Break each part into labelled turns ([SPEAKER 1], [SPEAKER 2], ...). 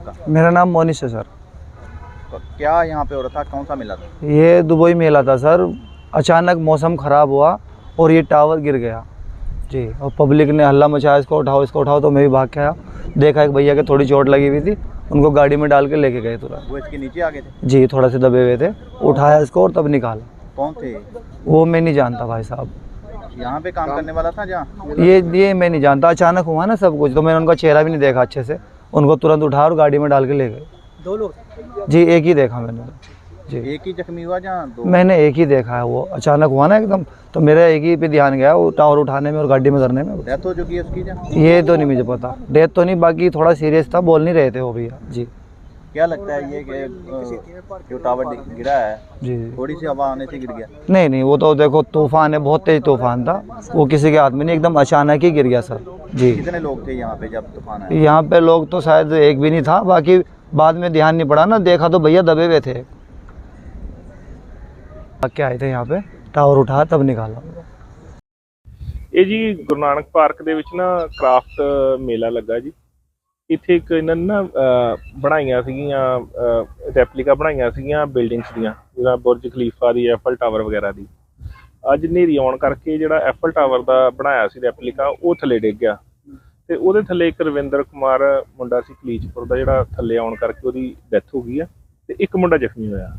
[SPEAKER 1] मेरा नाम मोनिश है सर।
[SPEAKER 2] तो क्या यहाँ पे हो रहा था, कौन सा मेला था?
[SPEAKER 1] ये दुबई मेला था सर। अचानक मौसम ख़राब हुआ और ये टावर गिर गया जी, और पब्लिक ने हल्ला मचाया, इसको उठाओ। तो मैं भी भाग के आया, देखा एक भैया के थोड़ी चोट लगी हुई थी, उनको गाड़ी में डाल के लेके गए तुरंत।
[SPEAKER 2] वो इसके नीचे आ गए थे?
[SPEAKER 1] जी, थोड़ा से दबे हुए थे, उठाया इसको और तब निकाला।
[SPEAKER 2] कौन थे?
[SPEAKER 1] वो मैं नहीं जानता भाई साहब।
[SPEAKER 2] यहाँ पे काम करने वाला था जहाँ?
[SPEAKER 1] ये मैं नहीं जानता, अचानक हुआ ना सब कुछ, तो मैंने उनका चेहरा भी नहीं देखा अच्छे से। उनको तुरंत उठा और गाड़ी में डाल के ले गए।
[SPEAKER 3] 2 लोग?
[SPEAKER 1] जी, एक ही देखा मैंने जी।
[SPEAKER 2] एक ही जख्मी हुआ जहाँ 2?
[SPEAKER 1] मैंने एक ही देखा है, वो अचानक हुआ ना एकदम, तो मेरा एक ही पे ध्यान गया, वो टावर उठाने में और गाड़ी में धरने में।
[SPEAKER 2] डेथ हो चुकी है उसकी जहाँ?
[SPEAKER 1] ये तो नहीं मुझे पता, डेथ तो नहीं, बाकी थोड़ा सीरियस था, बोल नहीं रहे थे वो भैया जी।
[SPEAKER 2] क्या लगता है ये कि जो टावर गिरा है
[SPEAKER 1] जी
[SPEAKER 2] थोड़ी सी हवा आने से गिर गया?
[SPEAKER 1] नहीं, वो तो देखो तूफान है, बहुत तेज तूफान था, वो किसी के हाथ में नहीं, एकदम अचानक ही गिर गया सर जी।
[SPEAKER 2] कितने लोग थे यहाँ पे जब तूफान आया?
[SPEAKER 1] यहाँ पे लोग तो शायद एक भी नहीं था, बाकी बाद में ध्यान नहीं पड़ा ना, देखा तो भैया दबे हुए थे। क्या आए थे यहाँ पे, टावर उठा तब निकाला।
[SPEAKER 4] ਇਹ ਜੀ ਗੁਰੂ ਨਾਨਕ ਪਾਰਕ ਦੇ ਵਿੱਚ ਨਾ ਕ੍ਰਾਫਟ ਮੇਲਾ ਲੱਗਾ ਜੀ। ਇੱਥੇ ਇੱਕ ਇਹਨਾਂ ਨੇ ਨਾ ਬਣਾਈਆਂ ਸੀਗੀਆਂ ਰੈਪਲੀਕਾ ਬਣਾਈਆਂ ਸੀਗੀਆਂ ਬਿਲਡਿੰਗਸ ਦੀਆਂ, ਜਿਵੇਂ ਬੁਰਜ ਖਲੀਫਾ ਦੀ, ਐਫਲ ਟਾਵਰ ਵਗੈਰਾ ਦੀ। ਅੱਜ ਹਨੇਰੀ ਆਉਣ ਕਰਕੇ ਜਿਹੜਾ ਐਫਲ ਟਾਵਰ ਦਾ ਬਣਾਇਆ ਸੀ ਰੈਪਲੀਕਾ, ਉਹ ਥੱਲੇ ਡਿੱਗ ਗਿਆ ਤੇ ਉਹਦੇ ਥੱਲੇ ਇੱਕ ਰਵਿੰਦਰ ਕੁਮਾਰ ਮੁੰਡਾ ਸੀ ਕਲੀਚਪੁਰ ਦਾ, ਜਿਹੜਾ ਥੱਲੇ ਆਉਣ ਕਰਕੇ ਉਹਦੀ ਡੈਥ ਹੋ ਗਈ ਆ ਤੇ ਇੱਕ ਮੁੰਡਾ ਜ਼ਖਮੀ ਹੋਇਆ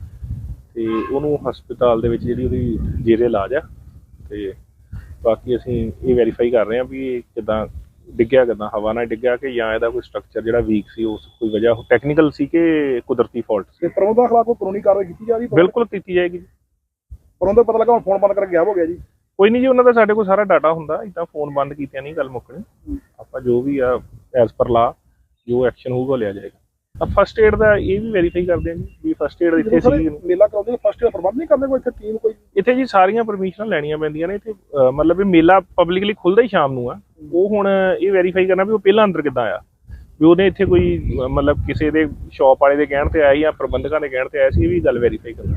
[SPEAKER 4] ਤੇ ਉਹਨੂੰ ਹਸਪਤਾਲ ਦੇ ਵਿੱਚ ਜਿਹੜੀ ਉਹਦੀ ਜੇਰੇ ਇਲਾਜ ਆ। ਤੇ ਬਾਕੀ ਅਸੀਂ ਇਹ ਵੈਰੀਫਾਈ ਕਰ ਰਹੇ ਹਾਂ ਵੀ ਇਹ ਕਿੱਦਾਂ ਡਿੱਗਿਆ, ਕਿੱਦਾਂ ਹਵਾ ਨਾਲ ਡਿੱਗਿਆ ਕਿ ਜਾਂ ਇਹਦਾ ਕੋਈ ਸਟਰਕਚਰ ਜਿਹੜਾ ਵੀਕ ਸੀ, ਉਸ ਕੋਈ ਵਜ੍ਹਾ ਟੈਕਨੀਕਲ ਸੀ ਕਿ ਕੁਦਰਤੀ ਫਾਲਟ ਸੀ।
[SPEAKER 5] ਪ੍ਰਬੰਧਕਾਂ ਖਿਲਾਫ ਕੋਈ ਕਾਨੂੰਨੀ ਕਾਰਵਾਈ ਕੀਤੀ ਜਾ ਰਹੀ ਹੈ?
[SPEAKER 4] ਬਿਲਕੁਲ ਕੀਤੀ ਜਾਏਗੀ ਜੀ।
[SPEAKER 5] ਪ੍ਰਬੰਧਕ ਪਤਾ ਲੱਗਾ ਹੁਣ ਫੋਨ ਬੰਦ ਕਰਕੇ ਗਾਇਬ ਹੋ ਗਿਆ ਜੀ।
[SPEAKER 4] ਕੋਈ ਨਹੀਂ ਜੀ, ਉਹਨਾਂ ਦਾ ਸਾਡੇ ਕੋਲ ਸਾਰਾ ਡਾਟਾ ਹੁੰਦਾ, ਇੱਦਾਂ ਫੋਨ ਬੰਦ ਕੀਤਿਆਂ ਨਹੀਂ ਗੱਲ ਮੁੱਕਣੀ। ਆਪਾਂ ਜੋ ਵੀ ਆ ਐਜ਼ ਪਰ ਲਾ ਜੋ ਐਕਸ਼ਨ ਹੋਊਗਾ ਲਿਆ ਜਾਏਗਾ। ਫਸਟ ਏਡ ਦਾ ਇਹ ਵੀ ਵੈਰੀਫਾਈ ਕਰਦੇ ਹਾਂ ਜੀ ਵੀ ਫਸਟ ਏਡ ਇੱਥੇ ਸੀ।
[SPEAKER 5] ਮੇਲਾ ਕਰਾਉਂਦੇ ਫਸਟ ਏਡ ਪ੍ਰਬੰਧ ਨਹੀਂ ਕਰਦੇ ਕੋਈ ਇੱਥੇ ਟੀਮ ਕੋਈ?
[SPEAKER 4] ਇੱਥੇ ਜੀ ਸਾਰੀਆਂ ਪਰਮਿਸ਼ਨਾਂ ਲੈਣੀਆਂ ਪੈਂਦੀਆਂ ਨੇ ਇੱਥੇ, ਮਤਲਬ ਇਹ ਮੇਲਾ ਪਬਲਿਕਲੀ ਖੁੱਲ੍ਹਦਾ ਹੀ ਸ਼ਾਮ ਨੂੰ ਆ। ਉਹ ਹੁਣ ਇਹ ਵੈਰੀਫਾਈ ਕਰਨਾ ਵੀ ਉਹ ਪਹਿਲਾਂ ਅੰਦਰ ਕਿੱਦਾਂ ਆਇਆ, ਵੀ ਉਹਨੇ ਇੱਥੇ ਕੋਈ ਮਤਲਬ ਕਿਸੇ ਦੇ ਸ਼ੌਪ ਵਾਲੇ ਦੇ ਕਹਿਣ ਤੇ ਆਇਆ ਜਾਂ ਪ੍ਰਬੰਧਕਾਂ ਦੇ ਕਹਿਣ ਤੇ ਆਇਆ ਸੀ, ਇਹ ਵੀ ਗੱਲ ਵੈਰੀਫਾਈ ਕਰਨਾ।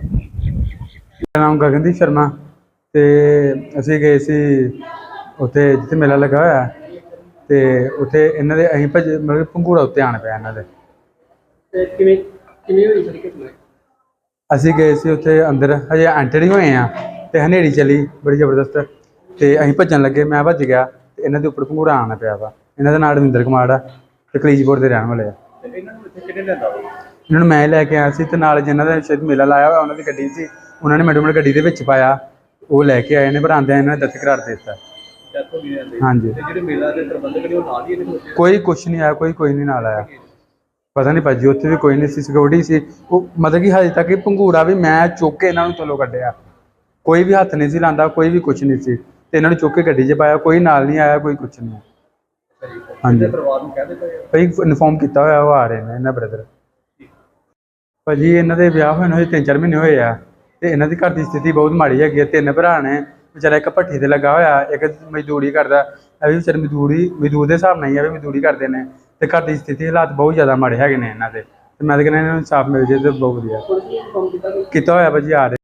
[SPEAKER 6] ਮੇਰਾ ਨਾਮ ਗਗਨਦੀਪ ਸ਼ਰਮਾ ਤੇ ਅਸੀਂ ਗਏ ਸੀ ਉੱਥੇ ਜਿੱਥੇ ਮੇਲਾ ਲੱਗਾ ਹੋਇਆ ਤੇ ਉੱਥੇ ਇਹਨਾਂ ਦੇ ਅਸੀਂ ਮਤਲਬ ਪੰਘੂੜਾ ਉੱਤੇ ਆਣ ਪਿਆ ਇਹਨਾਂ ਦੇ।
[SPEAKER 3] ਕਿਵੇਂ ਹੋਈ ਸਾਰੀ ਘਟਨਾ?
[SPEAKER 6] ਅਸੀਂ ਗਏ ਸੀ ਉੱਥੇ ਅੰਦਰ, ਹਜੇ ਐਂਟਰ ਹੀ ਹੋਏ ਆ ਤੇ ਹਨੇਰੀ ਚੱਲੀ ਬੜੀ ਜ਼ਬਰਦਸਤ ਤੇ ਅਸੀਂ ਭੱਜਣ ਲੱਗੇ, ਮੈਂ ਭੱਜ ਗਿਆ ਤੇ ਇਹਨਾਂ ਦੇ ਉੱਪਰ ਪੰਘੂੜਾ ਆਉਣਾ ਪਿਆ ਵਾ। ਇਹਨਾਂ ਦਾ ਨਾਮ ਰਵਿੰਦਰ ਕੁਮਾਰ ਆ ਤੇ ਕਲੀਚਪੁਰ ਦੇ ਰਹਿਣ ਵਾਲੇ ਆ।
[SPEAKER 2] ਇਹਨਾਂ ਨੂੰ ਇੱਥੇ ਕਿਹਨੇ ਲਿਆਂਦਾ?
[SPEAKER 6] ਇਹਨਾਂ ਨੂੰ ਮੈਂ ਲੈ ਕੇ ਆਇਆ ਸੀ ਤੇ ਨਾਲ ਜਿਨ੍ਹਾਂ ਦਾ ਸ਼ਾਇਦ ਮੇਲਾ ਲਾਇਆ ਹੋਇਆ ਉਹਨਾਂ ਦੀ ਗੱਡੀ ਸੀ, ਉਹਨਾਂ ਨੇ ਮੈਡਮ ਗੱਡੀ ਦੇ ਵਿੱਚ ਪਾਇਆ, ਉਹ ਲੈ ਕੇ ਆਏ ਨੇ, ਪਰ ਆਉਂਦਿਆਂ ਇਹਨਾਂ ਨੇ ਦਸਤ ਕਰਾਰ ਦੇ ਦਿੱਤਾ। ਹਾਂਜੀ,
[SPEAKER 2] ਜਿਹੜੇ ਮੇਲਾ ਦੇ ਪ੍ਰਬੰਧਕ ਨੇ ਉਹ ਨਾਲ ਹੀ
[SPEAKER 6] ਕੋਈ ਕੁਛ ਨਹੀਂ ਆਇਆ, ਕੋਈ ਨਹੀਂ ਨਾਲ ਆਇਆ, ਪਤਾ ਨਹੀਂ ਭਾਜੀ ਉੱਥੇ ਵੀ ਕੋਈ ਨਹੀਂ ਸੀ, ਸਿਕਿਉਰਿਟੀ ਸੀ। ਉਹ ਮਤਲਬ ਕਿ ਹਜੇ ਤੱਕ ਪੰਘੂੜਾ ਵੀ ਮੈਂ ਚੁੱਕ ਕੇ ਇਹਨਾਂ ਨੂੰ ਥੱਲੋਂ ਕੱਢਿਆ, ਕੋਈ ਵੀ ਹੱਥ ਨਹੀਂ ਸੀ ਲਾਉਂਦਾ, ਕੋਈ ਵੀ ਕੁਛ ਨਹੀਂ ਸੀ ਤੇ ਇਹਨਾਂ ਨੂੰ ਚੁੱਕ ਕੇ ਗੱਡੀ 'ਚ ਪਾਇਆ, ਕੋਈ ਨਾਲ ਨਹੀਂ ਆਇਆ, ਕੋਈ ਕੁਛ ਨਹੀਂ। ਹਾਂਜੀ,
[SPEAKER 2] ਪਰਿਵਾਰ ਨੂੰ ਕਹਿ ਦਿੱਤਾ
[SPEAKER 6] ਭਾਈ ਇਨਫੋਰਮ ਕੀਤਾ ਹੋਇਆ, ਉਹ ਆ ਰਹੇ ਨੇ ਇਹਨਾਂ ਬ੍ਰਦਰ। ਭਾਜੀ ਇਹਨਾਂ ਦੇ ਵਿਆਹ ਹੋਏ ਨੂੰ 3-4 ਮਹੀਨੇ ਹੋਏ ਆ ਤੇ ਇਹਨਾਂ ਦੀ ਘਰ ਦੀ ਸਥਿਤੀ ਬਹੁਤ ਮਾੜੀ ਹੈਗੀ ਹੈ। 3 ਭਰਾ ਨੇ, ਵਿਚਾਰਾ ਇੱਕ ਭੱਠੀ ਤੇ ਲੱਗਾ ਹੋਇਆ, ਇੱਕ ਮਜ਼ਦੂਰੀ ਕਰਦਾ, ਇਹ ਵੀ ਵਿਚਾਰੇ ਮਜ਼ਦੂਰ ਦੇ ਹਿਸਾਬ ਨਾਲ ਹੀ ਆ ਵੀ ਮਜ਼ਦੂਰੀ ਕਰਦੇ ਨੇ ਤੇ ਘਰ ਦੀ ਸਥਿਤੀ ਹਾਲਾਤ ਬਹੁਤ ਜ਼ਿਆਦਾ ਮਾੜੇ ਹੈਗੇ ਨੇ ਇਹਨਾਂ ਦੇ। ਤੇ ਮੈਂ ਤਾਂ ਕਹਿੰਦਾ ਇਹਨਾਂ ਨੂੰ ਇਨਸਾਫ ਮਿਲ ਜੇ ਤਾਂ ਬਹੁਤ ਵਧੀਆ। ਕੀਤਾ ਹੋਇਆ ਭਾਜੀ, ਆ ਰਹੇ।